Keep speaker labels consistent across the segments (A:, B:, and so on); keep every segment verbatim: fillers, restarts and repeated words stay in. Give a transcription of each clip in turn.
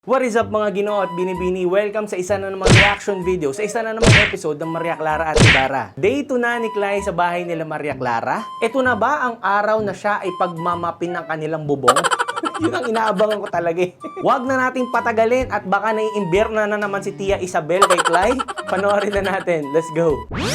A: What is up mga Ginoo at Binibini? Welcome sa isa na namang reaction video, sa isa na namang episode ng Maria Clara at Ibarra. Day two na ni Clay sa bahay nila Maria Clara. Ito na ba ang araw na siya ay pagmamapin ng kanilang bubong? Yun ang inaabangan ko talaga eh. Huwag na nating patagalin at baka naiimbir na na naman si Tia Isabel kay Clay. Panoorin na natin. Let's go!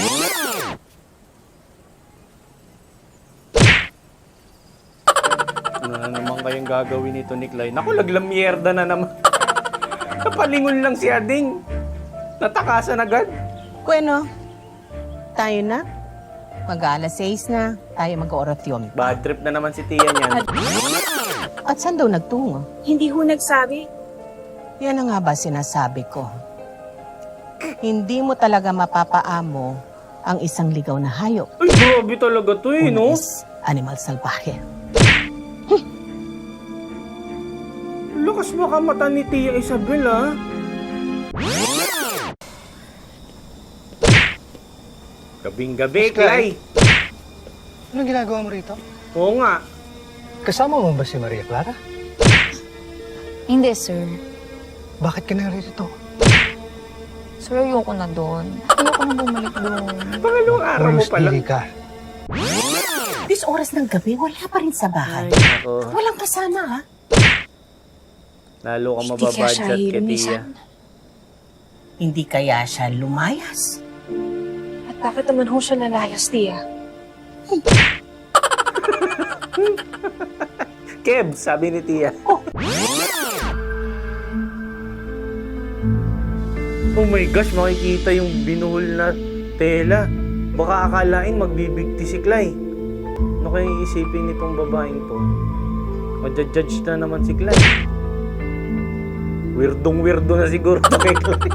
A: Ano na naman kayong gagawin nito ni Clay? Naku, laglamyerda na naman. Napalingon lang si Ading. Natakasan agad.
B: Bueno, tayo na. Mag-aalas sais na. Tayo mag-orasyon.
A: Bad trip na naman si Tia niyan.
B: At saan daw nagtungo?
C: Hindi ho nagsabi.
B: Yan na nga ba sinasabi ko? Hindi mo talaga mapapaamo ang isang ligaw na hayop.
A: Ay, grabe talaga to eh,
B: Una
A: no?
B: is animal salbahe.
A: Lakas makamata ni Tia Isabel, ha? Gabing-gabi, Clay.
D: Anong ginagawa mo rito?
A: Oo nga.
D: Kasama mo ba si Maria Clara?
E: Hindi, sir.
D: Bakit ka narito?
E: Sir, ayoko na doon. Ayoko na bumalik doon.
A: Pangalawang araw mo
D: Honest,
A: pala.
D: pili ka.
B: This oras ng gabi, wala pa rin sa bahay.
A: Ay, ako.
B: Walang kasama, ha?
A: Lalo ka
C: Hindi kaya siya
A: mababadget kay Tia.
C: hilumisan.
B: Hindi kaya siya lumayas.
C: At bakit naman ho siya nalayas, Tia?
A: Keb, sabi ni Tia. Oh my gosh, makikita yung binuhol na tela. Baka akalain magbibigti si Clay. Ano kaya iisipin nitong babaeng to? Madjudge na naman si Clay. Weirdong-weirdo na siguro to kay Clay.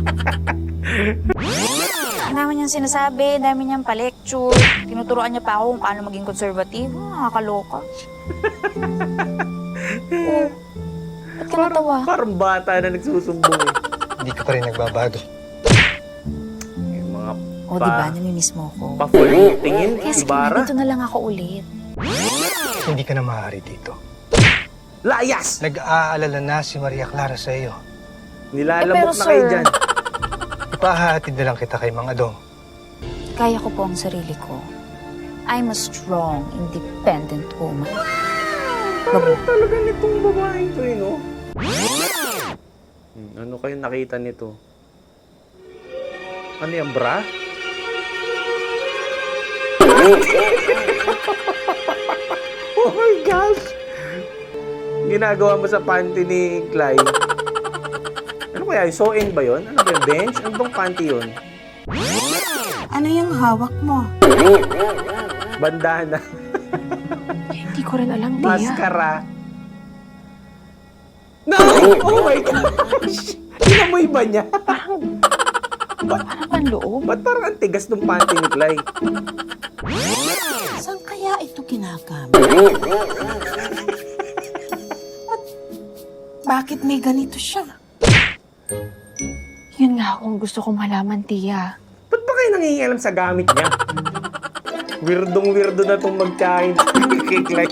E: Ang dami niyang sinasabi, ang dami niyang pa-lecture. Tinuturoan niya pa ako kung paano maging konservatibo. Nakakaloka. Oh, ba't ka natawa?
A: Parang bata na nagsusumbong eh.
D: Hindi ka pa rin nagbabago.
A: Yung mga
E: O, oh, diba? Namimiss mo ko.
A: pa-full tingin,
E: Kaya sige,
A: Ibarra.
E: dito na lang ako ulit.
D: Hindi ka na maaari dito.
A: Layas!
D: Nag-aalala na si Maria Clara sa iyo.
A: Nilalambot
E: Eh, pero,
A: na kayo
E: sir,
A: dyan.
D: Ipahahatid na lang kita kay Mang Adong.
E: Kaya ko po ang sarili ko. I'm a strong, independent woman.
A: Parang talaga nitong babaeng to eh, no? Hmm, ano kayo nakita nito? Ano yung bra? Oh my gosh! Ginagawa mo sa panty ni Clay. Ano kaya? Sew-in ba yun? Ano ba yung bench? Ano bang panty yun?
B: Ano yung hawak mo?
A: Bandana.
C: Hindi ko rin alam, Tia.
A: Maskara. No! Oh my gosh! Inamoy ba niya?
C: Parang ang loob.
A: Ba't parang ang tigas ng panty ni Clay?
B: Saan kaya ito ginagamit? At bakit may ganito siya?
C: Yun nga akong gusto kong malaman, Tia.
A: Ba't ba kayo nangingialam sa gamit niya? Weirdong-weirdo na itong magkain kay Clay.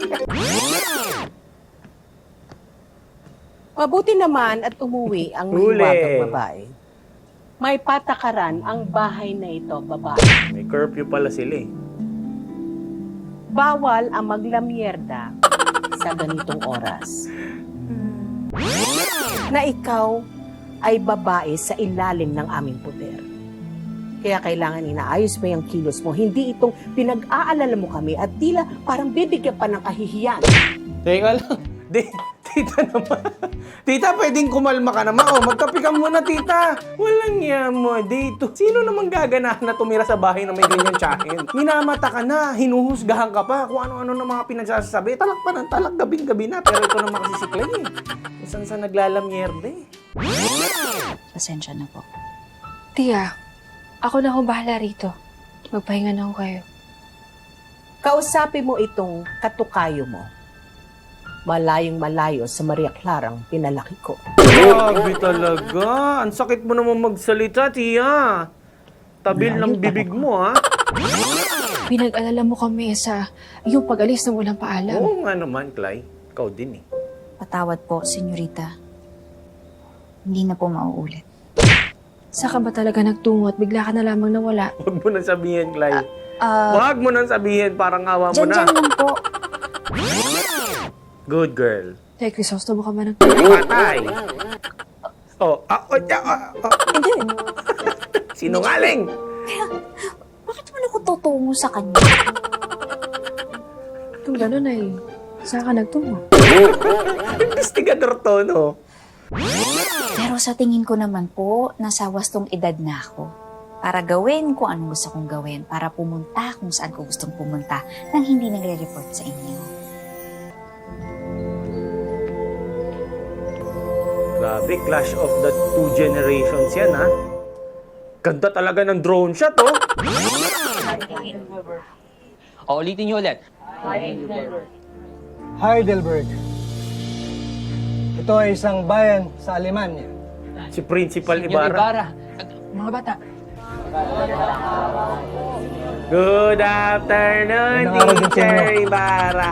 B: Mabuti naman at umuwi ang
A: Huli.
B: mahiwagang babae. May patakaran ang bahay na ito, babae.
A: May curfew pala sila eh.
B: Bawal ang maglamyerda sa ganitong oras. Na ikaw ay babae sa ilalim ng aming poder. Kaya kailangan inaayos mo yung kilos mo. Hindi itong pinag-aalala mo kami at tila parang bibigyan pa ng kahihiyan.
A: Teka lang. Di, tita naman. Tita, pwedeng kumalma ka naman. O, magkape ka muna, tita. Walang yan mo dito. Sino naman gaganahan na tumira sa bahay na may ganyan tsahin? Minamata ka na, hinuhusgahan ka pa, kung ano-ano ng mga pinagsasabi. Talak pa ng talak, gabing-gabi na. Pero ito naman kasi si Clay eh. Saan sa naglalamyerde eh.
E: Pasensya na po.
C: Tia, ako na ho bahala rito. Magpahinga na ho kayo.
B: Kausapin mo itong katukayo mo. Malayong malayo sa Maria Clarang pinalaki ko.
A: Grabe talaga. Ang sakit mo naman magsalita, Tia. Tabil ng bibig mo, ha?
C: Pinag-alala mo kami sa iyong pag-alis ng walang paalam.
A: Oo nga naman, Clay. Ikaw din eh.
E: Patawad po, senyorita. hindi na po mauulit.
C: Saan ka ba talaga nagtungo at bigla ka na lamang nawala?
A: Huwag mo nang sabihin, Clay.
E: Ah,
A: Huwag mo nang sabihin, parang awa mo
E: dyan,
A: na.
E: dyan lang po.
A: Good girl.
C: Tay, Crisostomo ka ba nag...
A: Patay. Oh, ah, oh, ah, ah, ah.
E: Hindi.
A: Sinungaling.
E: Bakit mo ako tutungo sa kanya?
C: Kung gano'n ay, saan ka nagtungo?
A: Investigador to, no?
E: Pero sa tingin ko naman po, nasa wastong edad na ako. Para gawin kung anong gusto kong gawin. Para pumunta kung saan ko gustong pumunta nang hindi nagre-report sa inyo.
A: Grabe, clash of the two generations yan, ha? Ganda talaga ng drone shot, oh.
F: O, ulitin niyo ulit.
D: Heidelberg. Ito ay isang bayan sa Alemanya.
A: Si Principal
F: Senyor
A: Ibarra.
F: Ibarra. Mga bata.
A: Good afternoon,
D: Magandang araw din sa
A: Teacher
D: inyo.
A: Ibarra.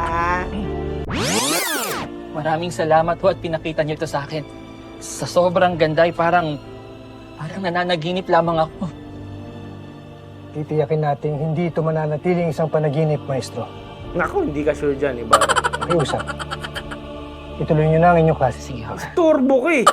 F: Maraming salamat ho at pinakita niyo ito sa akin. Sa sobrang ganda ay parang, parang nananaginip lamang ako.
D: Titiyakin natin hindi ito mananatiling isang panaginip, Maestro.
A: Naku, hindi ka sure dyan, Ibarra.
D: Pakiusap. Ituloy niyo na ang inyong klase.
F: Sige ho.
A: Turbo ka eh.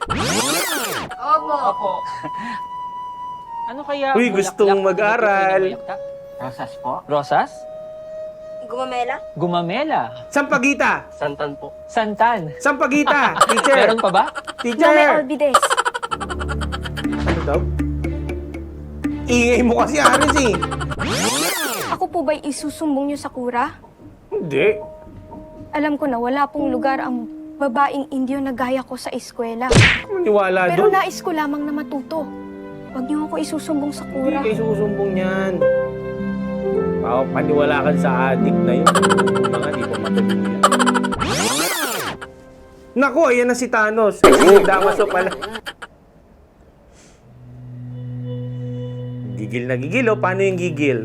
F: Opo. Ano kaya?
A: Uy,
F: bulaklak
A: gustong
F: na
A: mag-aral.
F: tuloy na bayakta? Rosas po. Rosas?
G: Gumamela?
F: Gumamela.
A: Sampagita.
F: Santan po. Santan.
A: Sampagita. Teacher.
F: Meron pa ba?
A: Teacher.
G: Nome Olvides.
A: Ano daw? Ingay mo kasi, Aris eh.
G: Ako po ba'y isusumbong niyo sa kura?
A: Hindi.
G: Alam ko na wala pong lugar ang babaeng Indio na gaya ko sa eskwela.
A: Maniwala
G: Pero
A: doon.
G: nais ko lamang na matuto. Huwag niyo ako isusumbong sa
A: Hindi
G: kura.
A: kayo susumbong yan. Pao, paniwala ka sa adik na yun. Mga di pa matulungan. Naku, ayan na si Thanos. Ay, si Damaso pala. Gigil na gigil, oh. Paano yung gigil?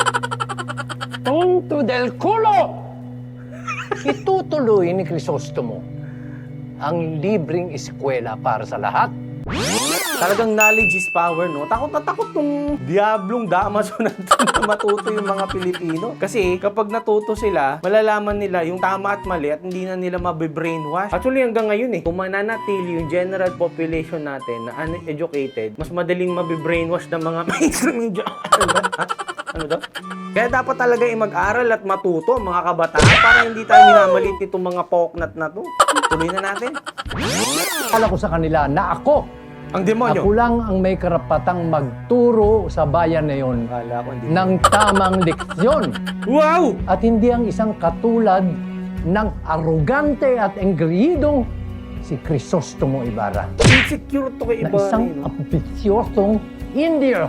H: Punto del culo! Itutuloy ni Crisostomo ang libreng eskwela para sa lahat.
A: Talagang knowledge is power, no? Takot na takot nung diablong Damaso na na matuto yung mga Pilipino. Kasi kapag natuto sila, malalaman nila yung tama at mali at hindi na nila mabibrainwash. Actually, hanggang ngayon eh, kung mananatili yung general population natin na uneducated, mas madaling mabibrainwash ng mga mainstream media. Ano ba? Ha? Ano daw? Kaya dapat talaga eh mag-aral at matuto ang mga kabataan para hindi tayo minamalit itong mga poknat na to. Tuloy na natin.
H: Akala ko sa kanila na ako,
A: Ang demonyo.
H: ako lang ang may karapatang magturo sa bayan na yon
A: Akala ko hindi.
H: ng tamang leksyon
A: Wow!
H: at hindi ang isang katulad ng arugante at engriyidong si Crisostomo Ibarra
A: Insecure to kay
H: na
A: Ibarra.
H: isang
A: eh, no?
H: ambisyosong Indio.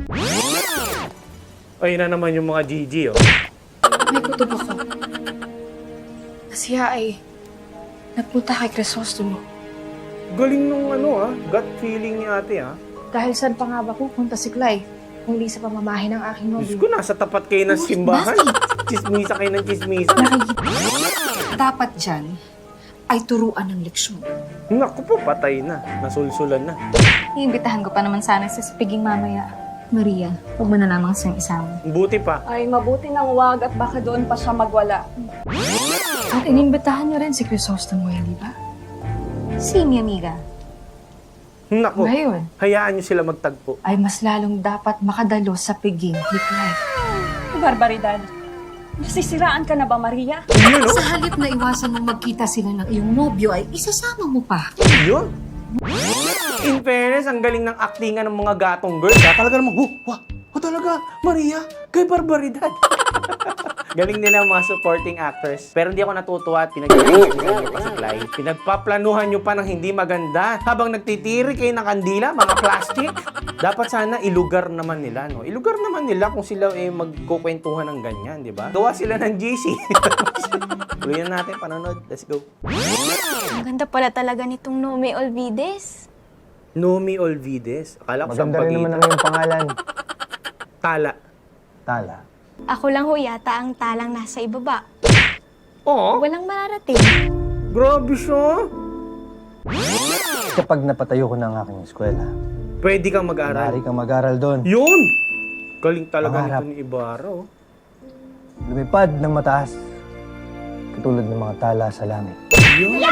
A: Ayun na naman yung mga G G, oh.
C: May kutob ako. Na siya ay nagpunta kay Crisostomo.
A: Galing nung ano, ah. Gut feeling ni ate, ah.
C: Dahil saan pa nga ba pupunta si Clay? Kung di sa pamamahay ng aking
A: Diyos
C: nobyo.
A: ko, nasa tapat kayo ng simbahan. Chismisa kayo ng chismisa.
I: Dapat dyan ay turuan ng leksyon.
A: Naku po, patay na. Nasulsulan na.
I: Iimbitahan ko pa naman sana sa spiging mamaya. Maria, huwag mo na lamang siyang isama.
A: Buti pa.
J: Ay, mabuti nang wag at baka doon pa siya magwala.
C: At inimbitahan niyo rin si Crisostomo, hindi ba?
I: Si mi amiga.
A: Naku,
C: Ngayon,
A: hayaan nyo sila magtagpo.
C: ay mas lalong dapat makadalo sa piging ni Clay.
J: Barbaridad. Nasisiraan ka na ba, Maria?
A: Yun, oh.
I: Sa halip na iwasan mong magkita sila ng iyong nobyo ay isasama mo pa.
A: Yun. In fairness, ang galing ng actingan ng mga gatong girls. Ah, talaga naman, oh, wah, oh, talaga, Maria, kay barbaridad. Galing nila ang mga supporting actors. Pero hindi ako natutuwa at pinag-iisip niyo pa si Clyde. Pinagpaplanuhan nyo pa ng hindi maganda. Habang nagtitiri kayo ng kandila, mga plastic. Dapat sana ilugar naman nila, no? Ilugar naman nila kung sila eh magkukwentuhan ng ganyan, di ba? Gawa sila ng G C. Tuloy na natin, panonood. Let's go.
G: Ang ganda pala talaga nitong Nome Olvides.
A: Nomi Olvides. Akala ko
D: Maganda rin naman ang iyong pangalan.
A: Tala.
D: Tala.
G: Ako lang ho yata ang talang nasa ibaba.
A: Oo.
G: Walang mararating.
A: Grabe siya.
D: Kapag napatayo ko ng aking eskwela,
A: Pwede kang mag-aral.
D: maaari kang mag-aral doon.
A: Yun! Galing talaga
D: Pangarap.
A: nito ni Ibarra, oh.
D: Lumipad ng mataas, katulad ng mga tala sa langit.
A: Yun.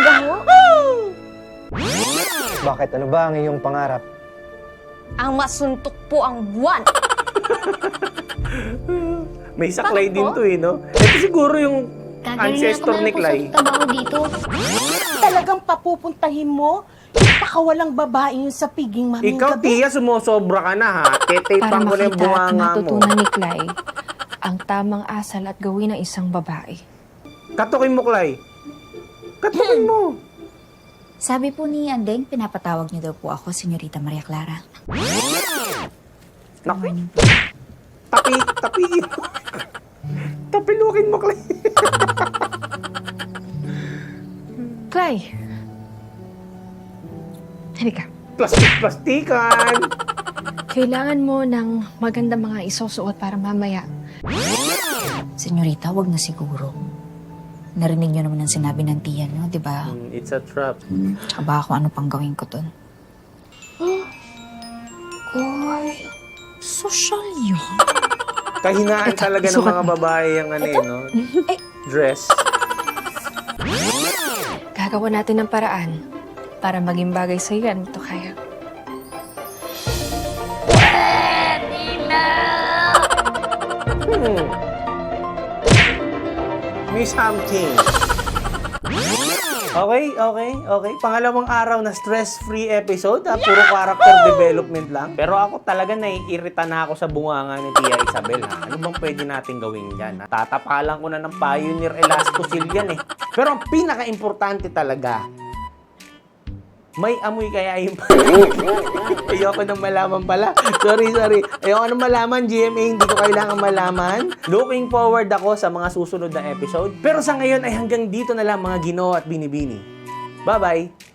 D: Bakit? Ano ba ang iyong pangarap?
G: Ang masuntok po ang buwan.
A: May saklay
G: Bakit
A: din
G: po?
A: to, eh, no? Ito siguro yung ancestor ni Clay.
I: dito.
B: Talagang papupuntahin mo yung pakawalang babae yun sa piging maming
A: Ikaw,
B: gabi.
A: Tia, sumusobra ka na, ha?
C: Para
A: Tetapang ko na yung
C: makita at
A: bunganga mo.
C: matutunan ni Clay ang tamang asal at gawin ng isang babae.
A: Katukin mo, Clay. Katukin mo.
E: Sabi po ni Andeng, pinapatawag niyo daw po ako, Senyorita Maria Clara. Good
A: Naku,
E: morning.
A: tapi, tapiin mo. Tapilukin mo, Clay.
C: Clay! Halika.
A: Plastik-plastikan.
C: Kailangan mo ng magandang mga isusuot para mamaya.
E: Senyorita, wag na siguro. Narinig niyo naman ang sinabi ng tiyan niyo, di ba?
A: Mm, It's a trap.
E: Aba ako ano pang gawin ko dun. Uy, social yun.
A: Kahinaan
C: Eto,
A: talaga ng
C: isukat
A: mga
C: mo.
A: babae yung ano, eh, no? Dress.
C: Gagawa natin ng paraan para maging bagay sa yan. Ito kaya.
A: Hmm. May something. Okay, okay, okay. Pangalawang araw na stress-free episode. Ha? Puro character development lang. Pero ako talaga naiirita na ako sa bunganga ni Tia Isabel. Ha? Ano bang pwede natin gawin dyan? Ha? Tatapalan ko na ng Pioneer Elastosil yan eh. Pero ang pinaka-importante talaga, may amoy kaya yung Ayoko nang malaman pala. Sorry, sorry. Ayoko nang malaman, G M A. Hindi ko kailangan malaman. Looking forward ako sa mga susunod na episode. Pero sa ngayon ay hanggang dito na lang mga Ginoo at Binibini. Bye-bye!